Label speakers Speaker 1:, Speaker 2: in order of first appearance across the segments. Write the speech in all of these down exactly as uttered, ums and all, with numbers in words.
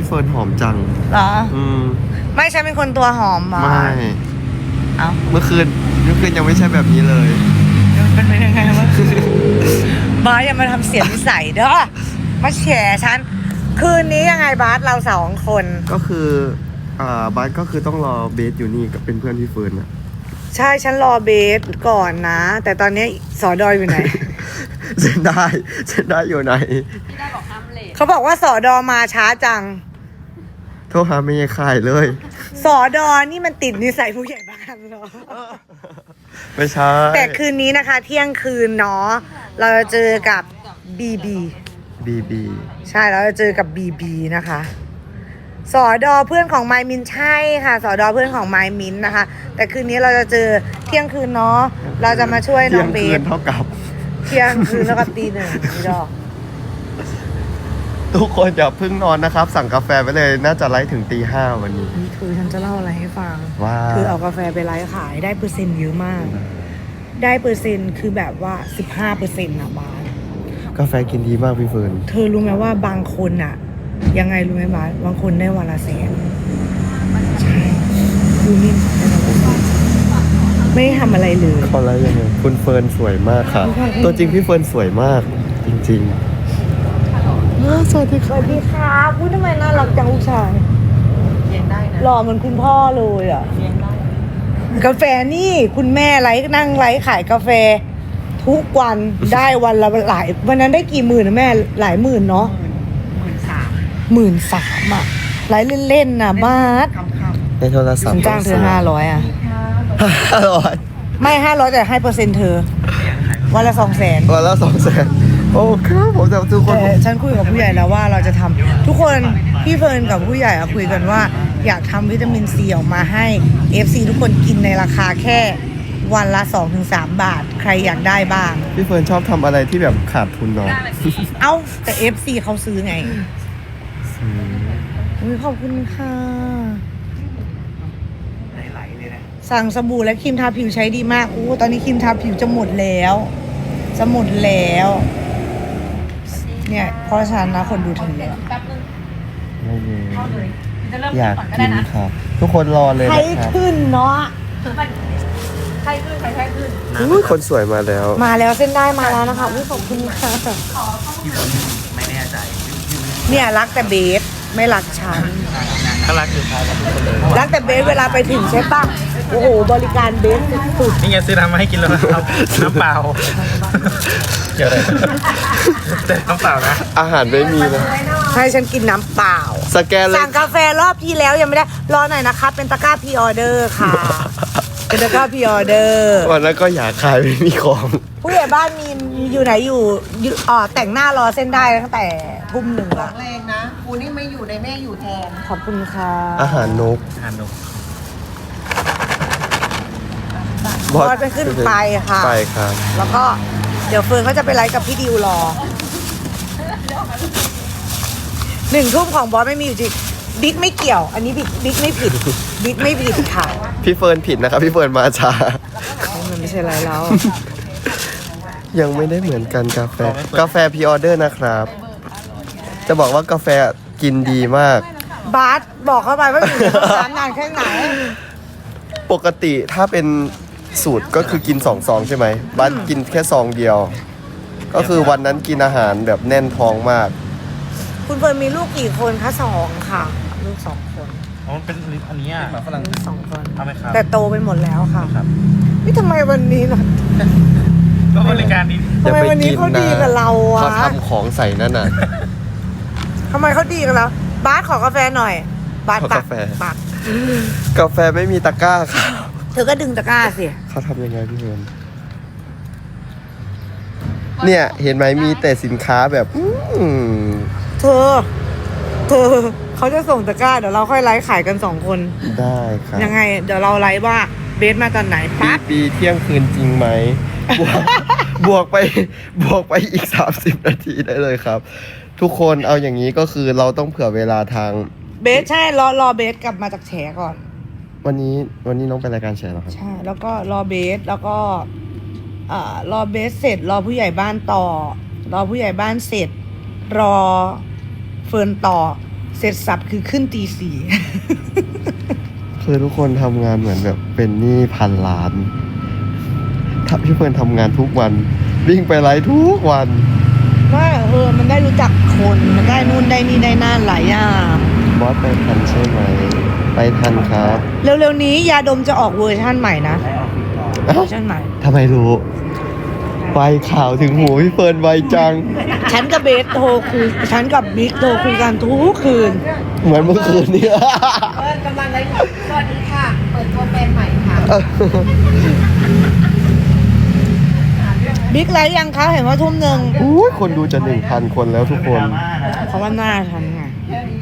Speaker 1: พี่เฟิร์นหอมจัง
Speaker 2: เหรอ
Speaker 1: อืม
Speaker 2: ไม่ฉันเป็นคนตัวหอมหรอ
Speaker 1: ไม่
Speaker 2: เอา
Speaker 1: เมื่อคืนเมื่อคืนยังไม่ใช่แบบนี้เลย
Speaker 2: เป็นไปยังไงวะบาสอย่ามาทำเสียงนิสัยเด้อมาแฉฉันคืนนี้ยังไงบาสเราสองคน
Speaker 1: ก็คืออ่าบาสก็คือต้องรอเบสอยู่นี่กับเป็นเพื่อนพี่เฟิร์นอะ
Speaker 2: ใช่ฉันรอเบสก่อนนะแต่ตอนนี้สอดอยอยู่ไหน
Speaker 1: เซนได้เซนได้อยู่ไหน
Speaker 3: พี่ได้บอกห้ามเลท
Speaker 2: เขาบอกว่าสอดอมาช้าจัง
Speaker 1: โทรหาไม่ยายข่ายเลย
Speaker 2: สอดอนี่มันติดนิสัยผู้ใหญ่บ้านเหรอ
Speaker 1: ไม่ใช่
Speaker 2: แต่คืนนี้นะคะเที่ยงคืนเนาะเราจะเจอกับบีบี
Speaker 1: บีบี
Speaker 2: ใช่เราจะเจอกับบีบีนะคะสอดอเพื่อนของไมมินใช่ค่ะสอดอเพื่อนของไมมินนะคะแต่คืนนี้เราจะเจอเที่ยงคืนเนาะเราจะมาช่วยน้องเบส
Speaker 1: เท่ากับ
Speaker 2: เที่ยงคืนแล้วกับตีหนึ่งนี่ดอก
Speaker 1: ทุกคนอย่าเพิ่งนอนนะครับสั่งกาแฟไปเลยน่าจะไลฟ์ถึงตีห้าวันนี้
Speaker 2: นี่คือฉันจะเล่าอะไรให้ฟัง
Speaker 1: ว่า
Speaker 2: คือเอากาแฟไปไลฟ์ขายได้เปอร์เซ็นต์เยอะมากได้เปอร์เซ็นต์คือแบบว่าสิบห้าเปอร์เซ็นต์นะบาส
Speaker 1: กาแฟกินดีมากพี่เฟิร์น
Speaker 2: เธอรู้ไหมว่าบางคนอะยังไงรู้ไหมบาสบางคนได้วันละแสนใช่ดูนี่ไม่ได้ทำอะไรเลย
Speaker 1: เขาอะไรยังไงคุณเฟิร์นสวยมากค่ะตัวจริงพี่เฟิร์นสวยมากจริงๆสวัสดี
Speaker 2: สวัสดีครับพูดทำไมน่ารักจังลูกชาย
Speaker 3: เลี้ยงได้นะ
Speaker 2: หล่อเหมือนคุณพ่อเลยอ่ะ
Speaker 3: เลี้ยงได้
Speaker 2: กาแฟนี่คุณแม่ไลฟ์นั่งไลฟ์ขายกาแฟทุกวันได้วันละหลายวันนั้นได้กี่หมื่นนะแม่หลายหมื่นเนาะ
Speaker 3: หมื่นสาม
Speaker 2: หมื่นสามอ่ะไลฟ์เล่นๆนะบาส
Speaker 1: ในโทรศัพท์
Speaker 2: จ้างเธอห้าร้อยอ่ะ
Speaker 1: ห้าร้อย
Speaker 2: ไม่ห้าร้อยแต่ให้เปอร์เซ็นต์เธอวันละสองแสน
Speaker 1: วันละสองแสนโอ้ครับผมแต่ทุกคน
Speaker 2: แต่ฉันคุยกับผู้ใหญ่แล้วว่าเราจะทำทุกคนพี่เฟิร์นกับผู้ใหญ่คุยกันว่าอยากทำวิตามินซีออกมาให้ เอฟ ซี ทุกคนกินในราคาแค่วันละ สองถึงสาม บาทใครอยากได้บ้าง
Speaker 1: พี่เฟิร์นชอบทำอะไรที่แบบขาดทุนเนาะ
Speaker 2: เอ้าแต่ เอฟ ซี เขาซื้อไงอุ้ยขอบคุณค่ะไหลๆเลยนะสั่งสบู่และครีมทาผิวใช้ดีมากอู้ตอนนี้ครีมทาผิวจะหมดแล้วจะหมดแล้วเนี่ยเพราะฉะนั้นนะคนดูถึงแล้ว
Speaker 1: อยากกินค่ะทุกคนรอเลย
Speaker 2: ใครขึ้นเนาะ
Speaker 3: ใครขึ้นใครใครขึ้น
Speaker 1: อุ้ยคนสวยมาแล้ว
Speaker 2: มาแล้วเส้นได้มาแล้วนะคะอุ้ยขอบคุณค่ะ
Speaker 3: ไม่แน่ใจ
Speaker 2: เนี่ยรักแต่เบสไม่รักฉัน
Speaker 3: ก็รักอยู่ครับ
Speaker 2: รักแต่เบสเวลาไปถึงใช่ปะโอ้โหบริการเบสสุด
Speaker 3: นี่ไงซื้อน้ำมาให้กินแล้วนะครับน้ำเปล่าเกี่ยวอะไรแต่น้ำเปล่านะ
Speaker 1: อาหารไม่มีนะ
Speaker 2: ให้ฉันกินน้ำเปล่า
Speaker 1: สแกนเลย
Speaker 2: สั่งกาแฟรอบที่แล้วยังไม่ได้รอหน่อยนะคะเป็นตะกร้าพรีออเดอร์ค่ะเป็นตะกร้าพรีออเดอร์
Speaker 1: วันนั้นก็อยากขายไม่มีของ
Speaker 2: ผู้ใหญ่บ้านมีอยู่ไหนอยู่อ๋อแต่งหน้ารอเส้นได้ตั้งแต่ทุ่มหนึ่งละ
Speaker 3: แรงนะกูนี่ไม่อยู่ในแม่อยู่แทน
Speaker 2: ขอบคุณค่ะ
Speaker 1: อาหารนก
Speaker 3: อาหารนก
Speaker 2: บอสไปขึ้นไปค่ะ
Speaker 1: ไปครับ
Speaker 2: แล้วก็เดี๋ยวเฟิร์นเขาจะไปไลฟ์กับพี่ดิวรอหนึ่งทุ่มของบอสไม่มีอยู่จริงบิ๊กไม่เกี่ยวอันนี้บิ๊กบิ๊กไม่ผิดบิ๊กไม่ผิดค่ะ
Speaker 1: พี่เฟิร์นผิดนะครับพี่เฟิร์นมาช้า
Speaker 2: มันไม่ใช่ไรแล้ว
Speaker 1: ยังไม่ได้เหมือนกันกาแฟกาแฟพรีออเดอร์นะครับจะบอกว่ากาแฟกินดีมาก
Speaker 2: บาสบอกเข้าไปว่าอยู่ในร้านนานแค่ไหน
Speaker 1: ปกติถ้าเป็นสูตรก็คือกินสองซองใช่ไหมบาสกินแค่ซองเดียวก็คือวันนั้นกินอาหารแบบแน่นท้องมาก
Speaker 2: คุณเฟิร์นมีลูกกี่คนคะสองค่ะลูกสองคน
Speaker 3: อ๋อเป็นอันนี้อ่ะฝรั่ง
Speaker 2: สองคน
Speaker 3: ทำไมครับ
Speaker 2: แต่โตไปหมดแล้วค่ะนี่ทำไมวันนี้ล่ะ
Speaker 3: ก็บริการดี
Speaker 2: ทำไมวันนี้เขาดีกับเราอ่ะ
Speaker 1: เขาทำของใส่นั่นน่ะ
Speaker 2: ทำไมเขาดีกันแล้วบาสขอกาแฟหน่อยบาสปักปัก
Speaker 1: กาแฟไม่มีตะกร้าค่ะ
Speaker 2: เธอก็ดึงตะกร้าสิ
Speaker 1: เขาทำยังไงพี่เฟิร์นเนี่ยเห็นไหมมีแต่สินค้าแบบ
Speaker 2: เธอเธอเขาจะส่งตะกร้าเดี๋ยวเราค่อยไลฟ์ขายกันสองคน
Speaker 1: ได้ครับ
Speaker 2: ยังไงเดี๋ยวเราไลฟ์ว่าเบสมาตอนไหน
Speaker 1: ปั๊บปีเที่ยงคืนจริงไหมบวกบวกไปบวกไปอีกสามสิบนาทีได้เลยครับทุกคนเอาอย่างนี้ก็คือเราต้องเผื่อเวลาทาง
Speaker 2: เบสใช่รอรอเบสกลับมาจากแฉก่อน
Speaker 1: วันนี้วันนี้น้องไปรายการแฉเหรอครับ
Speaker 2: ใช่แล้วก็รอเบสแล้วก็อ่ารอเบสเสร็จรอผู้ใหญ่บ้านต่อรอผู้ใหญ่บ้านเสร็จรอเฟิร์นต่อเสร็จสับคือขึ้นตีสี่
Speaker 1: คือทุกคนทำงานเหมือนแบบเป็นหนี้พันล้านถ้าพี่เฟิร์นทำงานทุกวัน วิ่งไปไลฟ์ทุกวัน
Speaker 2: ว่าเออมันได้รู้จักคนมันได้นู่นได้นี่ได้นั่นหลายอย่าง
Speaker 1: บอสไปทันใช่ไหม ไปทันครับ
Speaker 2: เร็วๆนี้ยาดมจะออกเวอร์ชั่นใหม่นะเว
Speaker 1: เอ้า
Speaker 2: อร์ชันใหม่
Speaker 1: ทำไมรู้ไวข่าวถึงหูพี่เฟิร์นไวจัง
Speaker 2: ฉันกับเบสโทรคุยฉันกับบิ๊กโทรคุยกันทุกคืน
Speaker 1: เหมือนเมื่อคืนนี้
Speaker 4: กำลังไลฟ์สวัสดีค่ะ เปิดตัวแฟนใหม่ค่ะ
Speaker 2: บิ๊กไลฟ์ยังคะเห็นว่าทุ่มหนึ่ง
Speaker 1: อุ้ยคนดูจะหนึ่งพันคนแล้วทุกคน
Speaker 2: เพราะว่าหน้าฉันไง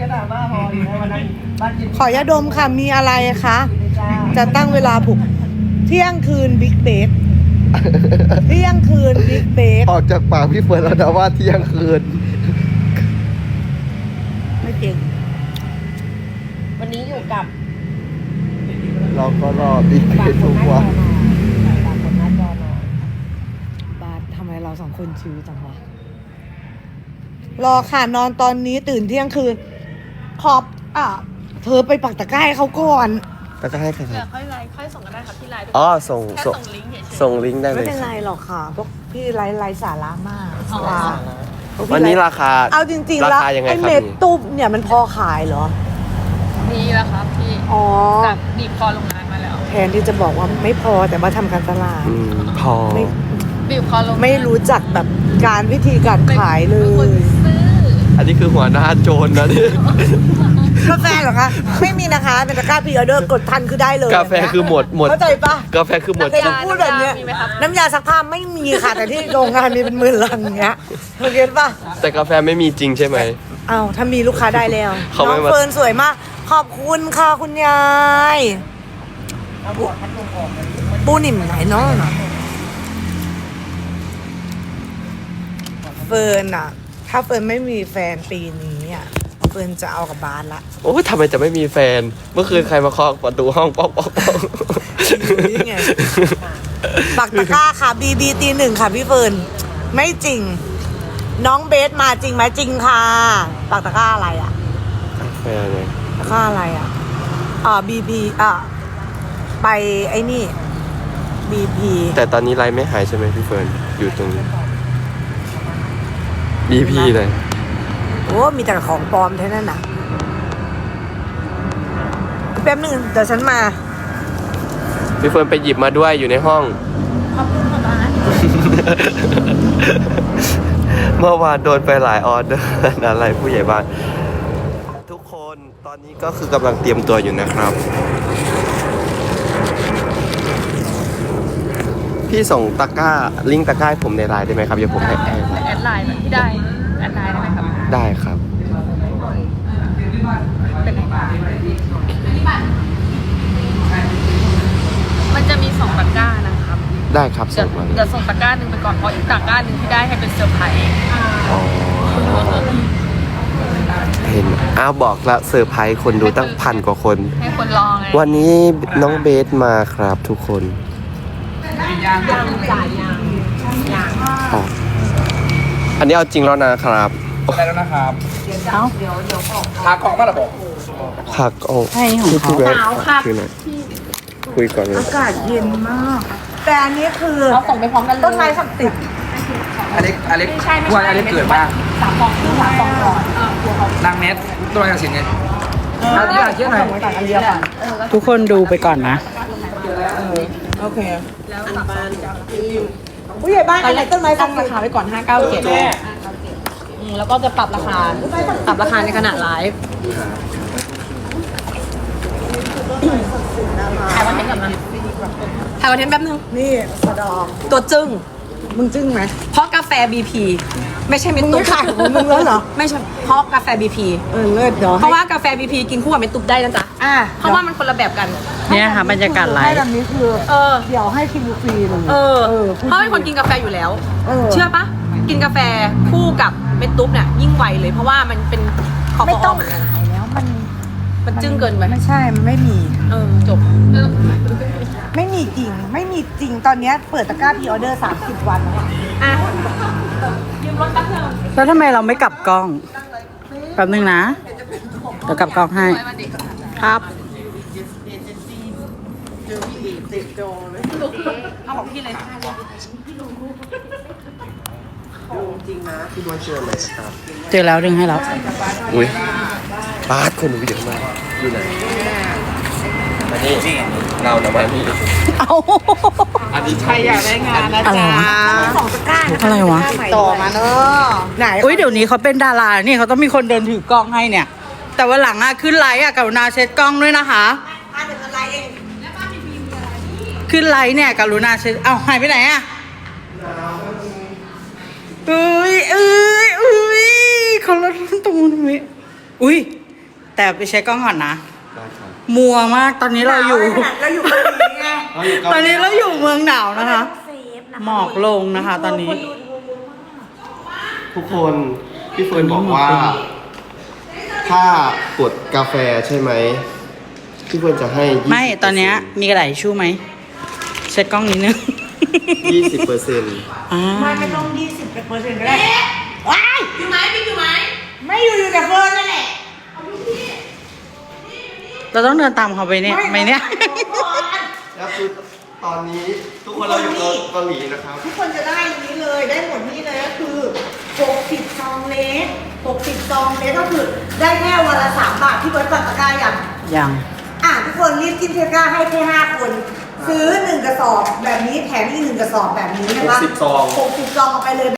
Speaker 2: ขอยาดมค่ะมีอะไรคะ จะตั้งเวลาปลุกเที่ยงคืนบิ๊กเบสเที่ยงคืนบิ๊กเบส
Speaker 1: ออกจากปากพี่เฟิร์นแล้วนะว่าเที่ยงคืน
Speaker 2: ไม่เก่ง
Speaker 4: วันนี้อยู่กับ
Speaker 1: เราก็รอบิ๊กเบสทุกวัน
Speaker 4: ฝากกดหน้าจอหน่อย
Speaker 2: บาสทำไมเราสองคนชิวจังวะรอค่ะนอนตอนนี้ตื่นเที่ยงคืนขอบอ่ะเธอไปปักตะกร้าให้เขาก่อน
Speaker 1: แล้วก็ให้ใครค
Speaker 4: เดี๋
Speaker 1: รั
Speaker 4: ย
Speaker 1: บ
Speaker 4: วค่อยไลฟ์ค่อยส่งกันได้ครับที่ไลน์
Speaker 1: อ๋อส่ง
Speaker 4: แค่
Speaker 1: ส่ง
Speaker 4: ส่งลิงก์เฉยๆ
Speaker 1: ส่งลิงก์ได้เล
Speaker 2: ไม่
Speaker 1: ย
Speaker 2: เป็นไรหรอกค่ะพวกพี่ไลฟ์ไลฟ์สาระมาก
Speaker 4: อ๋อ
Speaker 2: ว่าพกพี่
Speaker 1: วันนี้
Speaker 2: ไลฟ์
Speaker 1: ราคา
Speaker 2: เอาจริงๆ
Speaker 1: รา
Speaker 2: แล้ว
Speaker 1: คายังไง
Speaker 2: ไอ้
Speaker 1: ครับ
Speaker 2: เม็ด
Speaker 1: พี่
Speaker 2: ตุ๊บเนี่ยมันพอขายเหรอ
Speaker 4: นี่แหละครับพี่
Speaker 2: อ๋อ
Speaker 4: จากบีบคอลงน้ำมาแล้ว
Speaker 2: แทนที่จะบอกว่าไม่พอแต่ว่าทำการตลาด
Speaker 1: อืมพอ
Speaker 2: ไม่
Speaker 4: บีบคอลงน้ำ
Speaker 2: ไม่รู้จักแบบการวิธีการขายเล
Speaker 4: เป็นคน
Speaker 2: ย
Speaker 4: ซื้อ
Speaker 1: อันนี้คือหัวหน้าโจรนะนี่
Speaker 2: กาแฟเหรอคะ ไม่มีนะคะเป็นตะกร้าพรีออเดอร์กดทันคือได้เลย
Speaker 1: กาแฟคือหมดหมด
Speaker 2: เข้าใจปะ
Speaker 1: กาแฟคือหมด
Speaker 2: เคยจะพูดแบบเนี้ย
Speaker 4: มีไหมครับ
Speaker 2: น้ำยาซักผ้าไม่มีค่ะ แต่ที่โรงงานมีเป็นหมื่นลังเงี้ยเธอเก็ตปะ
Speaker 1: แต่กาแฟไม่มีจริงใช่ไหม
Speaker 2: อ้าวถ้ามีลูกค้าได้แล้ว
Speaker 1: เขา
Speaker 2: น้
Speaker 1: ไม่
Speaker 2: อง
Speaker 1: มา
Speaker 2: เฟิร์นสวยมาก ขอบคุณค่ะคุณยายปูปูนิ่มไหนเน้องเฟิร์นอะถ้าเฟิร์นไม่มีแฟนปีนี้อะเฟิร์นจะเอากับบาสละ
Speaker 1: โอ้ยทำไมจะไม่มีแฟน เมื่อคืนใครมาเคาะประตูห้องป๊อกป๊อกป๊อก
Speaker 2: นี่ไง ปักตะกร้าค่ะบีบีตีหนึ่งค่ะพี่เฟิร์นไม่จริง น้องเบสมาจริงไหมจริงค่ะปักตะกร้าอะไรอะ
Speaker 1: กาแฟไง
Speaker 2: ตะกร้าอะไรอะอ่าบีบีอ่ะไปไอ้นี่บีพี
Speaker 1: แต่ตอนนี้ไลน์ไม่หายใช่ไหมพี่เฟิร์นอยู่ตรงนี้บีพีเลย
Speaker 2: โอ้มีแต่ของปลอมเท่านั้นน่ะแป๊บนึงเดี๋ยวฉันมา
Speaker 1: พี่เฟิร์นไปหยิบมาด้วยอยู่ในห้อง
Speaker 4: ขอบคุณค่ะบ้าน
Speaker 1: เมื่อวานโดนไปหลายออเดอร์อะไรผู้ใหญ่บ้าน ทุกคนตอนนี้ก็คือกำลังเตรียมตัวอยู่นะครับ พี่ส่งตะกร้าลิงก์ตะกร้าให้ผมในไลน์ได้ไหมครับเดี๋ยวผมให้แอด
Speaker 4: แอดไลน์ที่ได้แอดไลน์ได้ไหมครับ
Speaker 1: ได้ครับ
Speaker 4: เป็นไงมันจะมีสองตะกร้านะครับ
Speaker 1: ได้ครับ
Speaker 4: เดี๋
Speaker 1: ส่
Speaker 4: ยว
Speaker 1: งมาเลย
Speaker 4: เดี๋ยวส่งตะกร้าหนึ่งไปก่อนเพราะอีกตะกร้าหนึ่งที่ได้ให้เป็นเซอร์ไพรส์
Speaker 1: อ๋อเห็นอ้าวบอกละเซอร์ไพรส์คนดูตั้งพันกว่าคน
Speaker 4: ให้คนรอไง
Speaker 1: วันนี้น้องเบสมาครับทุกคนอ๋ออันนี้เอาจริงแล้วนะครับ
Speaker 3: ได้แล้วนะครับเอ้าพากล่องมาหรอบอก
Speaker 1: ผักโอ้พี่พี่เบสคือหน่อยคุยก่อนเลย
Speaker 2: อากาศเย็นมาก แต่อันนี้คือ
Speaker 4: เอาส่งไปพร้อมกันเลย
Speaker 2: ต้นไม้ศักดิ์สิทธิ์
Speaker 3: อเล็กอเล็ก
Speaker 4: ไม่ใช่ไม่
Speaker 3: ว่า
Speaker 4: ใช่
Speaker 3: อเล็กเกิดบ้าง
Speaker 4: สามฟองครึ่งสามฟองก่อนเออตัวเขา
Speaker 3: นางเน็ตตัวอะไรกันสิไงเอาที่ไหนที่ไหน
Speaker 2: อันเดียวกัน
Speaker 5: ทุกคนดูไปก่อนนะ
Speaker 2: โอเคผู้ใหญ่บ้านอันไหนต้นไม้ศั
Speaker 4: ตั้
Speaker 2: ก
Speaker 4: ง
Speaker 2: ดิ์สิ
Speaker 4: รา
Speaker 2: ทธิ์
Speaker 4: คาไว้ก่อนห้าเก้าเจ็ดแล้วก็จะปรับราคา ปรับราคาในขณะไลฟ์ถ่ายคอนเทนต์ก่อนนะถ่ายคอนเทนต์แป๊บนึง
Speaker 2: นี่สะดอก
Speaker 4: ตัวจึ้ง
Speaker 2: มึงจึ้งไหม
Speaker 4: เพราะกาแฟ บี พี ไม่ใช่เม็ด
Speaker 2: มึง
Speaker 4: ตุ๊
Speaker 2: ไม่
Speaker 4: บ
Speaker 2: ขายของมึงแล้วเหรอ
Speaker 4: ไม่ใช่เพราะกาแฟ บี พี
Speaker 2: เออเลิศเดี๋ยว
Speaker 4: เพราะว่ากาแฟ บี พี กินคู่กับเม็ดตุ๊บได้นะจ๊ะ
Speaker 2: อ่ะ
Speaker 4: เพราะว่ามันคนละแบบกัน
Speaker 5: เนี่ยค่ะบรรยากาศไล
Speaker 2: ให้
Speaker 5: ฟ์
Speaker 2: แบบนี้คือ
Speaker 4: เออ
Speaker 2: เดี๋ยวให้คิวฟรีเลย
Speaker 4: เออ
Speaker 2: เออ
Speaker 4: เพราะเป็นคนกินกาแฟอยู่แล้ว
Speaker 2: เออ
Speaker 4: เชื่อปะกินกาแฟคู่กับเม็ดตุ๊บเนี่ยยิ่งไวเลย เพราะว่ามันเป็นแอลก
Speaker 2: ไม่
Speaker 4: อฮ
Speaker 2: ต้
Speaker 4: อ
Speaker 2: อง
Speaker 4: ล์เหมือนกัน
Speaker 2: ขายแล้วมัน
Speaker 4: มันจึ้งเกินไป
Speaker 2: ไม่ใช่ มันไม่มี
Speaker 4: เออจบ
Speaker 2: ไม่มีจริง ไม่มีจริง ตอนเนี้ยเปิดตะกร้าพรีออเดอร์สามสิบวันแล้วอะ
Speaker 4: อ่ะยืมรถแป๊บนึง
Speaker 5: แล้วทำไมเราไม่กลับกล้อง แป๊บนึงนะดี๋ยวกลับกล้องให้ ครับ
Speaker 4: เอาของพี่เลย
Speaker 1: จริงนะพี่บอยเจอไหมครับ
Speaker 5: เจอแล้วดึงให้แล้ว
Speaker 1: อุ้ยปาดคนหนูไปเดี๋ยวมาอยู่ไหนมานี่เรานะมานี่
Speaker 5: เอา
Speaker 1: อันนี้ใครอยากได้งานนะ
Speaker 5: อะไรวะ
Speaker 2: สองตะกร้า
Speaker 5: อะไรวะ
Speaker 2: ต่อมาเนอะไหน
Speaker 5: อุ้ยเดี๋ยวนี้เขาเป็นดารานี่เขาต้องมีคนเดินถือกล้องให้เนี่ย แต่ว่าหลังอะขึ้นไลฟ์อะกรุณาเช็ดกล้องด้วยนะคะ
Speaker 2: อ่ะเดี๋ยวอะไรเอง
Speaker 5: ขึ้นไลฟ์เนี่ยกรุณาเช็ดเอ้าหายไปไหนอะเอ้ยเอ้ยเอ้ยเขาลดตรงนี้นอุ้ยแต่ไปเช็คกล้องก่อนนะ
Speaker 1: ได้ครับ
Speaker 5: มัวมากตอนนี้เราอยู่
Speaker 2: เราอยู่เกาหลีไง
Speaker 1: เราอยู่เกาหลี
Speaker 5: ตอนนี้เราอยู่เมืองหนาวนะคะ
Speaker 2: เซฟนะ
Speaker 5: หมอกลงนะคะ ตอนนี้
Speaker 1: ทุกคนพี่เฟิร์นบอกว่า ถ้ากดกาแฟใช่ไหมพี่เฟิร์นจะให้
Speaker 5: ไม่ตอนเนี้ยมีกระดาษทิชชู่ไหมเช็ดกล้องนิดนึง
Speaker 1: ยี่สิบเปอร์เซ็นต์
Speaker 5: อ่า
Speaker 2: ไม่ไม่ต้องยี่สิบเปอร์เซ็นต์ก็ได้ว้ายอยู่ไหมพี่อยู่ไหมไม่อยู่อยู่แต่เฟิร์นนั่นแหละ
Speaker 5: เราต้องเดินตามเขาไปเนี่ยไหมเนี่ย
Speaker 1: แล้วคือตอนนี้ทุกคนเราอยู่เกาหลีนะครับ
Speaker 2: ทุกคนจะได้อันนี้เลยได้หมดนี่เลยก็คือหกสิบซองเล็กหกสิบซองเล็กก็คือได้แค่วันละสามบาทที่เบิร์ตปักตะกร้าอย่าง
Speaker 5: ยัง
Speaker 2: อ่ะทุกคนรีบจิ้มตะกร้าให้แค่ห้าคน ซื้อหนึ่งกระสอบแบบนี้แถมอีกหนึ่งกระสอบแบบนี้นะคะ
Speaker 1: หกสิบซอง
Speaker 2: หกสิบซองเอาไปเลย